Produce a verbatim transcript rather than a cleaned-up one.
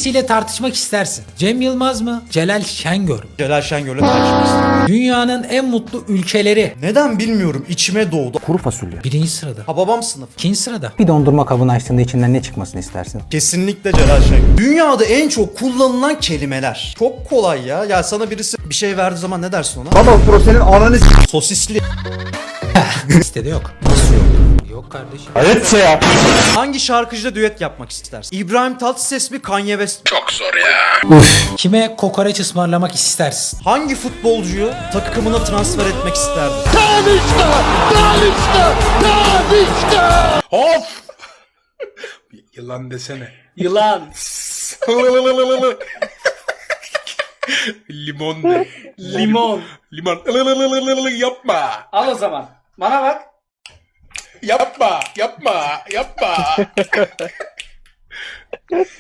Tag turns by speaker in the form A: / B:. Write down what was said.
A: Hangisiyle tartışmak istersin? Cem Yılmaz mı? Celal Şengör mü?
B: Celal Şengör'le tartışmak istiyorum.
A: Dünyanın en mutlu ülkeleri.
B: Neden bilmiyorum, içime doğdu.
C: Kuru fasulye.
A: Birinci sırada.
B: Ha babam sınıf.
A: İkinci sırada.
C: Bir dondurma kabını açtığında içinden ne çıkmasını istersin?
B: Kesinlikle Celal Şengör. Dünyada en çok kullanılan kelimeler. Çok kolay ya. Ya sana birisi bir şey verdiği zaman ne dersin ona?
C: Baba pro senin ananı s***.
B: Sosisli.
A: Listede yok. Nasıl yok? Yok kardeşim.
C: Evet ya.
B: Hangi şarkıcıyla düet yapmak istersin? İbrahim Tatlıses mi, Kanye West mi?
A: Kime kokoreç ısmarlamak istersin?
B: Hangi futbolcuyu takımına transfer etmek isterdin?
D: Of! Yılan desene.
E: Yılan.
D: Limon de.
E: Limon.
D: Limon. Yapma.
E: Al o zaman. Bana bak.
D: Yapma. Yapma. Yapma.